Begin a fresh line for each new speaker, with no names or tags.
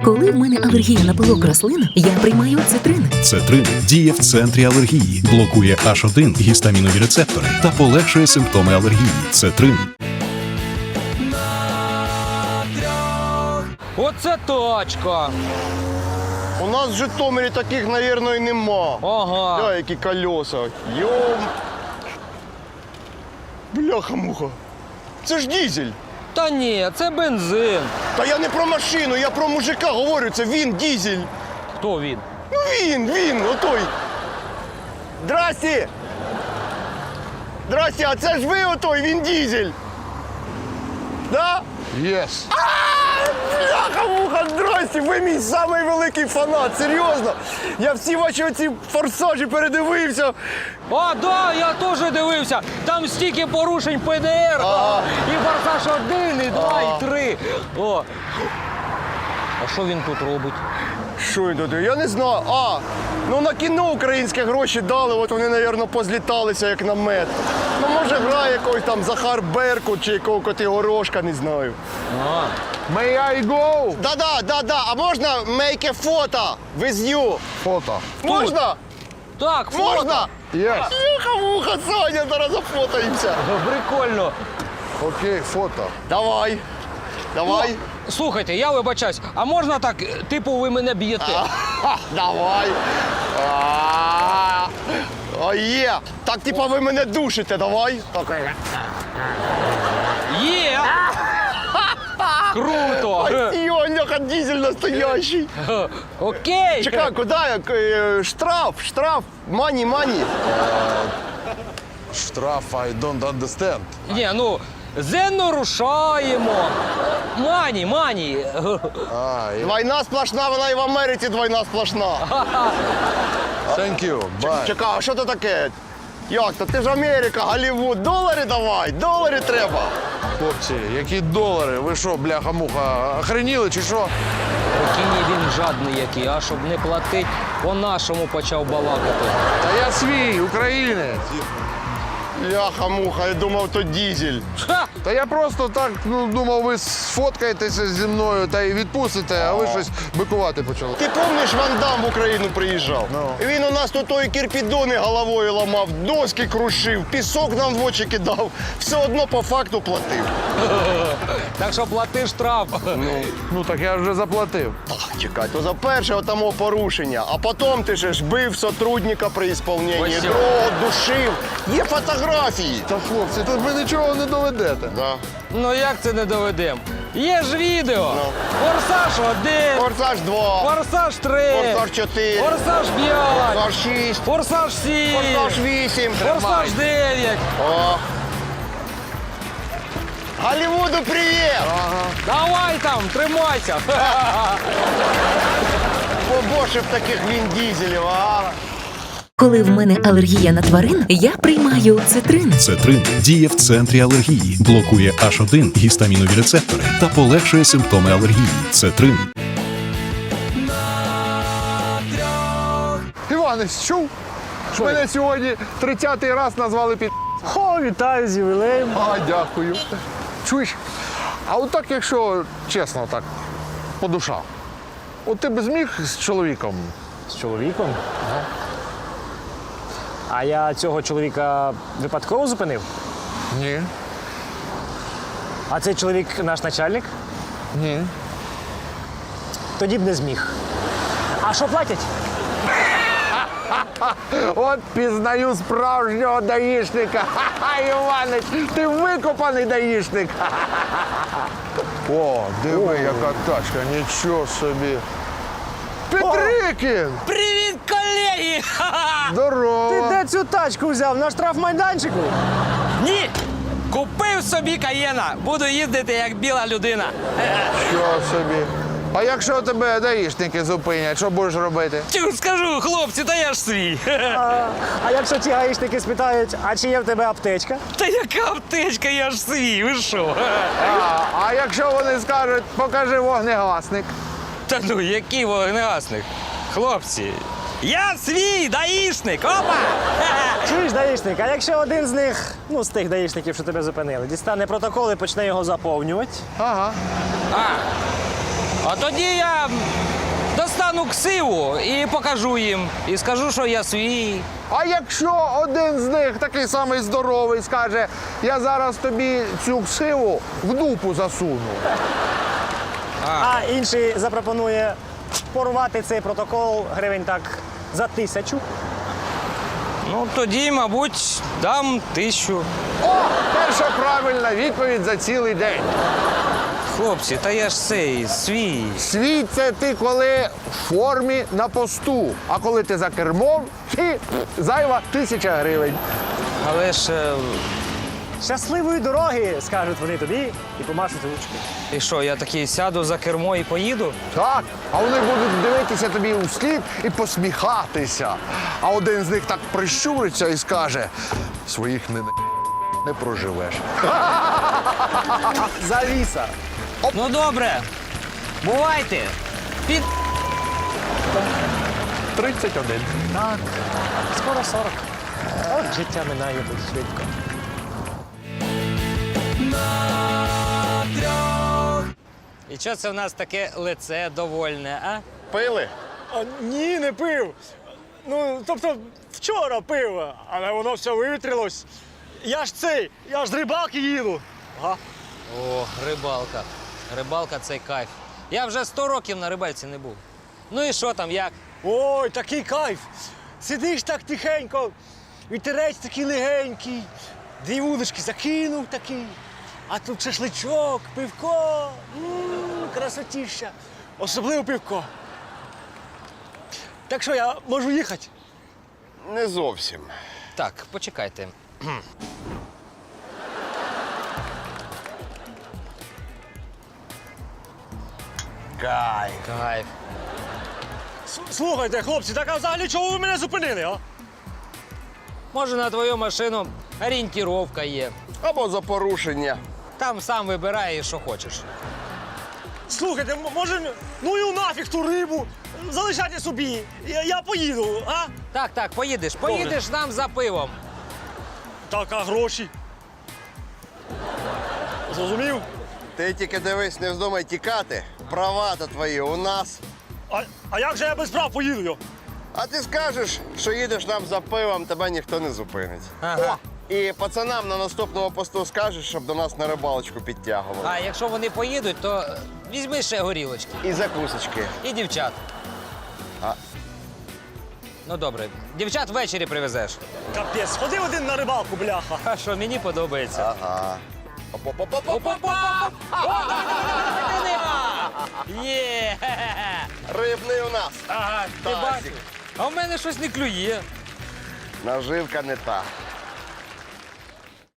Коли в мене алергія на пилок рослин, я приймаю цитрин.
Цетрин діє в центрі алергії, блокує H1 гістамінові рецептори та полегшує симптоми алергії. Цетрин.
Оце точка.
У нас в Житомирі таких, мабуть, і нема.
Ага.
Бля, які колеса. Йом. Бляха-муха. Це ж дізель.
Та ні, це бензин.
Та я не про машину, я про мужика говорю, це він дізель.
Хто він?
Ну він, отой. Здрасте. Здрасте, а це ж ви отой, він дізель. Да?
Yes.
Бляха-муха, здрасте, ви мій самий великий фанат, серйозно. Я всі ваші оці форсажі передивився.
А, да, я теж дивився. Там стільки порушень ПДР.
Ага.
І форсаж 1, і 2, і 3. О. А що він тут робить?
Що він тут? Я не знаю. Ну на кіно українські гроші дали, от вони, мабуть, позліталися як на мед. Ну, може, грає якогось там Захар Беркут чи якого Котигорошка, не знаю.
А.
May I go?
Да. А можна make a photo with you?
Фото.
Можна?
Так, фото.
Можна?
Yes.
Муха, Саня, зараз зафотаємося.
Прикольно.
Окей, фото.
Давай.
Слухайте, я вибачаюсь, а можна так, типу, ви мене б'єте?
Давай. Є. Так, типа, ви мене душите, давай.
Є! Круто!
Йоняха, дизель настоящий.
Окей!
Чекай, куди я? Штраф. Мані.
Штраф, I don't understand.
Ні, ну, зенно рушаємо. Мані.
Двойна сплошна, вона і в Америці двойна сплошна.
Thank you, bye.
Чекай, а що це таке? Як то? Ти ж Америка, Голлівуд. Долари давай, долари треба.
Хлопці, які долари? Ви що, бляха-муха, охреніли чи що?
Прикинь, він жадний який, а щоб не платить, по-нашому почав балакати.
Та я свій, українець.
Ляха-муха, я думав, то дизель.
Ха!
Та я просто так, думав, ви сфоткаєтеся зі мною та й відпустите, а ви щось бикувати почали.
Ти пам'ятаєш, Ван Дам в Україну приїжджав?
Ну.
Він у нас тут той кірпідони головою ламав, доски крушив, пісок нам в очі кидав. Все одно по факту платив.
Так що плати штраф.
Ну так я вже заплатив.
Чекай, то за перше отамо порушення, а потім ти ж бив сотрудника при ісполненні,
Ось.
другого душив. Є фотографії.
Та хлопці, тут ви нічого не доведете.
Да.
Ну як це не доведемо? Є ж відео.
Ну.
Форсаж 1,
Форсаж 2,
форсаж 3,
Форсаж 4,
форсаж 5,
Форсаж 6,
форсаж 7,
Форсаж 8.
форсаж 9.
О. Голлівуду привіт!
Давай там, тримайся.
Побольше б таких він-дізелів, а?
Коли в мене алергія на тварин, я приймаю цитрин.
Цетрин діє в центрі алергії, блокує H1 гістамінові рецептори та полегшує симптоми алергії. Цетрин.
Іванець, чув? Мене сьогодні 30-й раз назвали під...
О, вітаю з ювілеєм.
А, дякую. Чуєш? А от так, якщо чесно, так, по душах. От ти б зміг з чоловіком?
З чоловіком? А я цього чоловіка випадково зупинив?
Ні.
А цей чоловік наш начальник?
Ні.
Тоді б не зміг. А що платять?
От пізнаю справжнього даїшника. Ха-ха, Іванець, ти викопаний даїшник. О, диви, яка тачка, нічого собі. Петрикін!
Привіт, колеги! Ха-ха!
Здорово!
Ти де цю тачку взяв? На штрафмайданчику?
Ні! Купив собі Каєна, буду їздити як біла людина.
Що собі? А якщо тебе даїшники зупинять, що будеш робити?
Тю, скажу, хлопці, та я ж свій.
А якщо ті гаїшники спитають, а чи є в тебе аптечка?
Та яка аптечка, я ж свій, ви що?
А якщо вони скажуть, покажи вогнегасник?
Та ну, який вогнегасник? Хлопці, я свій даїшник, опа!
Чуєш, даїшник, а якщо один з них, ну з тих даїшників, що тебе зупинили, дістане протокол і почне його заповнювати?
Ага.
А тоді я дістану ксиву і покажу їм. І скажу, що я свій.
А якщо один з них такий самий здоровий скаже, я зараз тобі цю ксиву в дупу засуну.
А інший запропонує порвати цей протокол гривень так за 1000.
Ну, тоді, мабуть, дам 1000.
О, перша правильна відповідь за цілий день.
Хлопці, та я ж цей свій.
Свій – це ти коли в формі на посту, а коли ти за кермом, ти зайва 1000 гривень.
Але ж.
Щасливої дороги, скажуть вони тобі і помашуть ручки.
І що, я такий сяду за кермо і поїду?
Так, а вони будуть дивитися тобі у слід і посміхатися. А один з них так прищуриться і скаже, своїх не проживеш.
Завіса.
Ну добре. Бувайте. Під.
31.
Так, скоро 40. От життя минає тут швидко.
І що це в нас таке лице довольне, а?
Пили?
Ні, не пив. Ну, тобто, вчора пив, але воно все вивітрилось. Я ж з рибалки їду. Ага.
О, рибалка. Рибалка це кайф. Я вже 100 років на рибальці не був. Ну і що там, як?
Ой, такий кайф. Сидиш так тихенько, вітерець такий легенький, 2 вудочки закинув такий, а тут шашличок, пивко, красотіща. Особливо пивко. Так що я можу їхати?
Не зовсім.
Так, почекайте.
Кай.
Кайф.
Слухайте, хлопці, так а взагалі чого ви мене зупинили, а?
Може, на твою машину орієнтіровка є.
Або за порушення.
Там сам вибирай, що хочеш.
Слухайте, може, ну і нафіг ту рибу, залишайте собі, я поїду, а?
Так, поїдеш. Поїдеш нам за пивом.
Так, а гроші? Зрозумів?
Ти тільки дивись, не вздумай тікати. Права-то твої у нас.
А як же я без прав поїду? Йо?
А ти скажеш, що їдеш нам за пивом, тебе ніхто не зупинить.
Ага.
І пацанам на наступному посту скажеш, щоб до нас на рибалочку підтягували.
А якщо вони поїдуть, то візьми ще горілочки.
І закусочки.
І дівчат.
А.
Ну добре, дівчат ввечері привезеш.
Капець, сходи один на рибалку, бляха.
А що, мені подобається.
Ага.
Опа-па! Є!
Рибний у нас.
Ага, ти
Тазик.
бачиш? А в мене щось не клює.
Наживка не та.